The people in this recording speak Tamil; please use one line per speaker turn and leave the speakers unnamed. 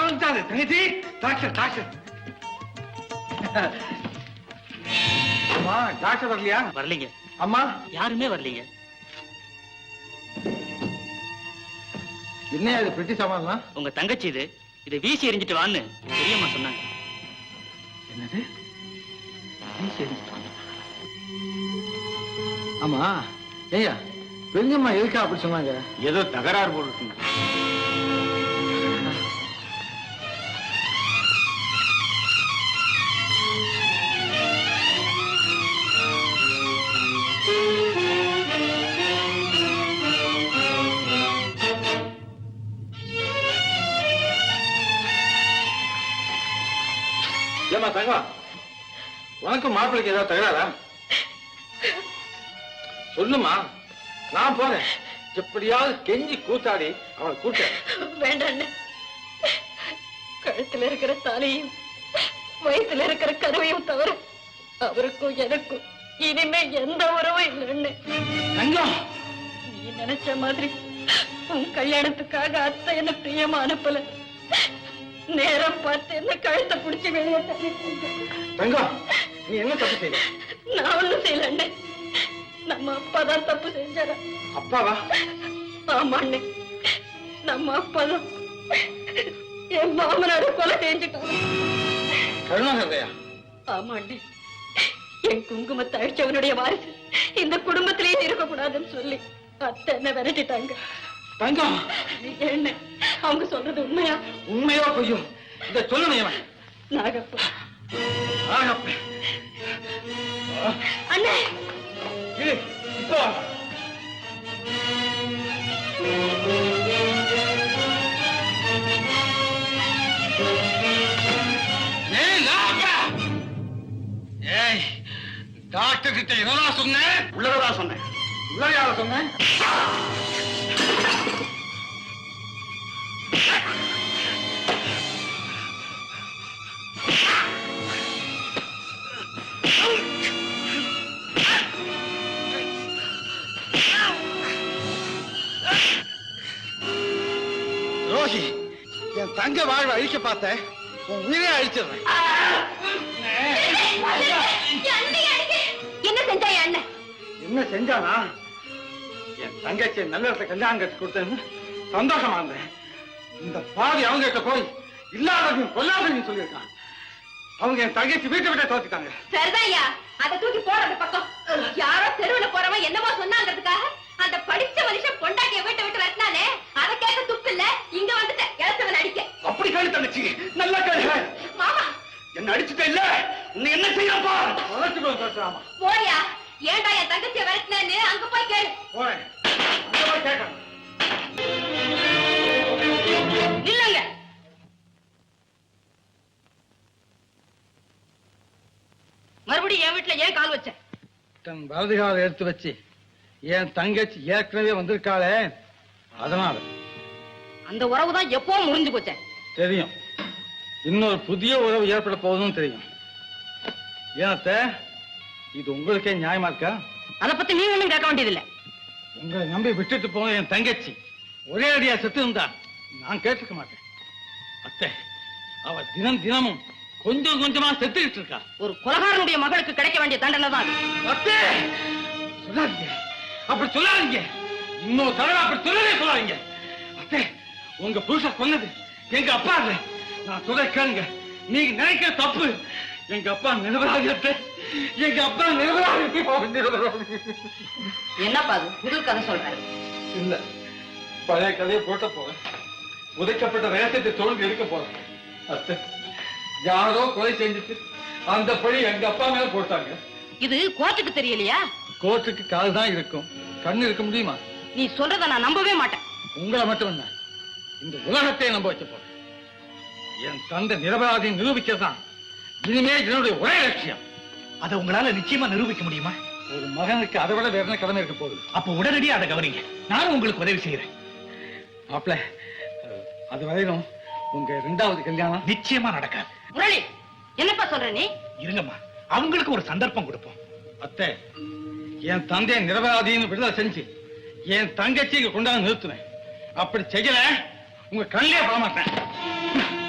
வந்துட்டாரு தங்கச்சி. Doctor doctor. அம்மா டாக்டர் வரலையா?
வரலீங்க.
அம்மா
யாருமே வரலீங்க.
என்ன இது பெட்டி சாமான்?
உங்க தங்கச்சி இதை வீசி எறிஞ்சிட்டு வான்னு பெரியம்மா சொன்னாங்க.
என்னது வீசி எறிஞ்சிட்டு வாங்க? ஆமா ஏய்யா பெரியம்மா எதுக்கா அப்படி சொன்னாங்க? ஏதோ தகராறு போட்டுருக்குங்க. ஏமா தங்கம், உனக்கும் மாப்பிள்ளைக்கு ஏதாவது தகராறா? சொல்லுமா, நான் போறேன். எப்படியாவது கெஞ்சி கூத்தாடி அவனை கூட்ட.
வேண்டாம், கழுத்துல இருக்கிற தாலியும் வயிற்றுல இருக்கிற கருவையும் தவிர அவருக்கும் எனக்கும் இனிமே எந்த உறவும் இல்லைன்னு.
தங்கம்,
நீ நினைச்ச மாதிரி உன் கல்யாணத்துக்காக அத்தை என்ன பிரியமா அனுப்பல. நேரம் பார்த்து என்ன கழுத்தை பிடிச்சி வெளியே
தங்கம், நீ என்ன தப்பு செய்யல?
நான் ஒண்ணும் செய்யல. நம்ம அப்பாதான் தப்பு செஞ்சாரா?
அப்பாவா?
ஆமா அண்ணே, நம்ம அப்பாதான் என் மாமனார கொலை செஞ்சுட்டாங்க.
கருணாகரையா?
ஆமா அண்ணே, என் குங்குமத்தை அழிச்சவனுடைய வாரிசு இந்த குடும்பத்திலேயே இருக்கக்கூடாதுன்னு சொல்லி அத்தை என்ன விரட்டிட்டாங்க.
தங்கம்,
என்ன அவங்க சொல்றது உண்மையா?
உண்மையோ பொய்யோ இத சொல்லணும்.
நாகப்ப
நாகப்ப
அண்ணே,
இப்போ டாக்டர் கிட்ட என்னடா சொன்னேன்? உள்ளதா சொன்னேன். உள்ளதையால சொன்னேன். ரோஹி, என் தங்க வாழ்வை அழிக்க பார்த்த உன் உயிரை அழிச்சிடுறேன்.
என்ன செஞ்சா அண்ணன்?
என்ன செஞ்சானா? என் தங்கச்சி நல்ல கல்யாணம் கட்டி கொடுத்தேன்னு சந்தோஷமா இருந்தேன். இந்த பாதி அவங்க கிட்ட போய் இல்லாததையும் கொல்லாததையும் சொல்லியிருக்கான். அவங்க என் தங்கச்சி வீட்டை விட்டு தோத்துட்டாங்க.
சரிதான்யா, அதை தூக்கி போறது பக்கம். யாரோ தெருவுல போறவன் என்னமோ சொன்னாங்கிறதுக்காக அந்த படிச்ச மனுஷன் பொண்டாட்டிய வீட்டை விட்டு வரட்டினாலே அதை கேட்க துப்பு இல்ல. இங்க வந்துட்ட இளத்தவன் அடிக்க.
அப்படி கேளு தங்கச்சி, நல்லா கேளு.
மாமா
என்ன அடிச்சுட்ட இல்ல, உன்னை என்ன செய்யப்பா? பேசுறாமா?
போறியா? ஏன்டா என் தங்கச்சியை வரட்டினு அங்க போய் கேளு.
போறேன், அங்க போய் கேட்கணும்.
இல்லங்க, மறுபடியும் என் வீட்டுல ஏன் கால் வச்ச?
தன் வலதுகால எடுத்து வச்சு என் தங்கச்சி ஏற்கனவே வந்திருக்காளே, அதனால.
அந்த உறவுதான் எப்போ முறிஞ்சு போச்ச.
தெரியும், இன்னொரு புதிய உறவு ஏற்பட போகுதுன்னு தெரியும். ஏனத்த, இது உங்களுக்கே நியாயமா இருக்கா?
அதை பத்தி நீ ஒண்ணும் கேட்க வேண்டியதில்லை.
உங்களை நம்பி விட்டுட்டு போன என் தங்கச்சி ஒரே அடியா செத்து இருந்தா நான் கேட்டுக்க மாட்டேன். அத்தை, அவ தினமும் கொஞ்சம் கொஞ்சமா செத்துக்கிட்டு இருக்கா.
ஒரு கொலகாரனுடைய மகளுக்கு கிடைக்க வேண்டிய தண்டனை தான்.
அத்தை, சொல்லாதீங்க, அப்படி சொல்லாதீங்க. இன்னொரு தடவை அப்படி சொல்லவே சொல்லாதீங்க. அத்தை, உங்க புருஷன் கொன்னது எங்க அப்பா இல்ல. நான் சொல்ல கேளுங்க, நீங்க நினைக்கிற தப்பு. எங்க அப்பா நிரபராதி. எங்க அப்பா நிரபராதி.
என்னப்பா அது புது கதை சொல்றேன்?
இல்ல, பழைய கதையை போட்ட போறேன். உதைக்கப்பட்ட ரகசியத்தை தோல்வி எடுக்க போறேன். அத்தை, யாரோ கொலை செஞ்சுட்டு அந்த பழி எங்க அப்பா மேல போட்டாங்க.
இது கோர்ட்டுக்கு தெரியலையா?
கோர்ட்டுக்கு கால் தான் இருக்கும், கண்ணு இருக்க முடியுமா?
நீ சொல்றத நான் நம்பவே மாட்டேன்.
உங்களை மட்டும் என்ன, இந்த உலகத்தை நம்ப வச்ச போறேன். என் தந்தை நிரபராதியை நிரூபிக்கதான் இனிமே என்னுடைய ஒரே லட்சியம்.
அதை உங்களால நிச்சயமா நிரூபிக்க முடியுமா?
ஒரு மகனுக்கு அதை விட வேற என்ன கடமை இருக்க போகுது?
அப்ப உடனடியா அதை கவனிங்க, நானும் உங்களுக்கு உதவி செய்யறேன்.
மாப்பிள்ள, அது வரையிலும் உங்க இரண்டாவது கல்யாணம்
நிச்சயமா நடக்காது.
முரளி, என்னப்பா சொல்ற நீ?
இருங்கம்மா, அவங்களுக்கு ஒரு சந்தர்ப்பம் கொடுப்போம்.
அத்தை, என் தந்தையை நிரபராதின்னு விடுதலை செஞ்சு என் தங்கச்சி கொண்டாந்து நிறுத்துவேன். அப்படி செய்யல உங்க கண்ணிலே போக மாட்டேன்.